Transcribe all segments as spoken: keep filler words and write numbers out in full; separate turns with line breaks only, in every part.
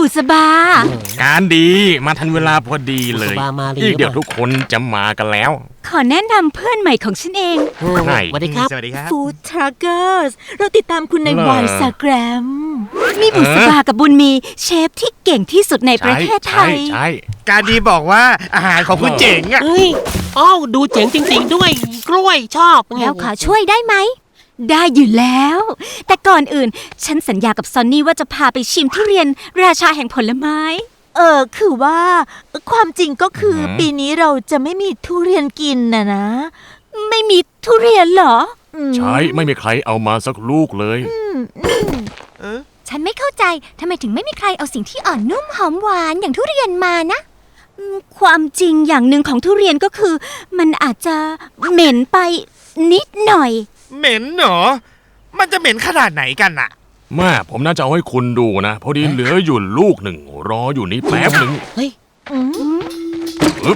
บุษบา
การดีมาทันเวลาพอดีเลยอีกเดี๋ยวทุกคนจะมากันแล้ว
ขอแนะนำเพื่อนใหม่ของฉันเอง
ใช่
สวัสดีครับ
สวัสดีครับ
ฟู้ดทรัคเกอร์สเราติดตามคุณในวายสแกรมมีบุษบากับบุญมีเชฟที่เก่งที่สุดในประเทศไทย
ใช่
การดีบอกว่าอาหารของคุณเจ๋งอ่ะ
เฮ้ยอ้าวดูเจ๋งจริงๆด้วยกล้วยชอบ
แล้วขอช่วยได้ไหมได้อยู่แล้วแต่ก่อนอื่นฉันสัญญากับซอนนี่ว่าจะพาไปชิมทุเรียนราชาแห่งผลไม้
เออคือว่าความจริงก็คือปีนี้เราจะไม่มีทุเรียนกินนะนะ
ไม่มีทุเรียนเหรอ
ใช่ไม่มีใครเอามาสักลูกเลย
ฉันไม่เข้าใจทำไมถึงไม่มีใครเอาสิ่งที่อ่อนนุ่มหอมหวานอย่างทุเรียนมานะความจริงอย่างหนึ่งของทุเรียนก็คือมันอาจจะเหม็นไปนิดหน่อย
เหม็นเหรอมันจะเหม็นขนาดไหนกันอะ
แม่ผมน่าจะเอาให้คุณดูนะพอดีเหลืออยู่ลูกหนึ่งรออยู่นี่แป๊บหนึ่ง
เฮ้ย
อึ๊บ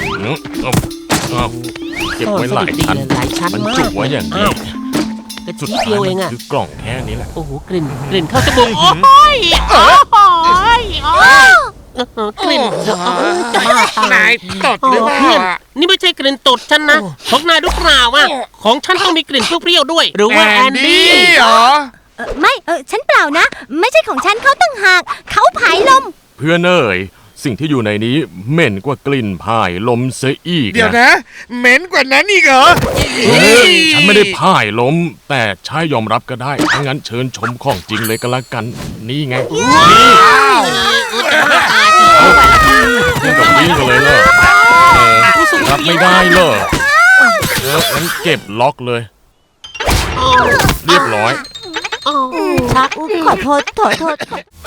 เก็บไว้หลายชั้นมันจุกไว้อย่างนี้
กระชี้เดียวเองอะ
คือกล่องแค่นี้แหละ
โอ้โหกลิ่นกลิ่นเข้าจมูกโอ้ยโอ้ยโอ้ยกลิ่น
นายตดหรือเปล่า
นี่ไม่ใช่กลิ่นตดฉันนะของนายหรือเปล่าอ่ะของฉันต้องมีกลิ่นเปรี้ยวๆด้วยหรือว่าแอนดี้
เหรอ
ไม่เออฉันเปล่านะไม่ใช่ของฉันเขาตั้งหากเขาผายลม
เพื่อนเอ๋ยสิ่งที่อยู่ในนี้เหม็นกว่ากลิ่นผายลมเสียอีก
เดี๋ยวนะเหม็นกว่านั้นอีกเหรอ
ฉันไม่ได้ผายลมแต่ใช่ยอมรับก็ได้ถ้างั้นเชิญชมของจริงเลยก็แล้วกันนี่ไงนี่กับนี่กันเลยเลยรับไม่ได้เลยเอองั้นเก็บล็อกเลยเรียบร้อย
ชักขอโทษขอโทษ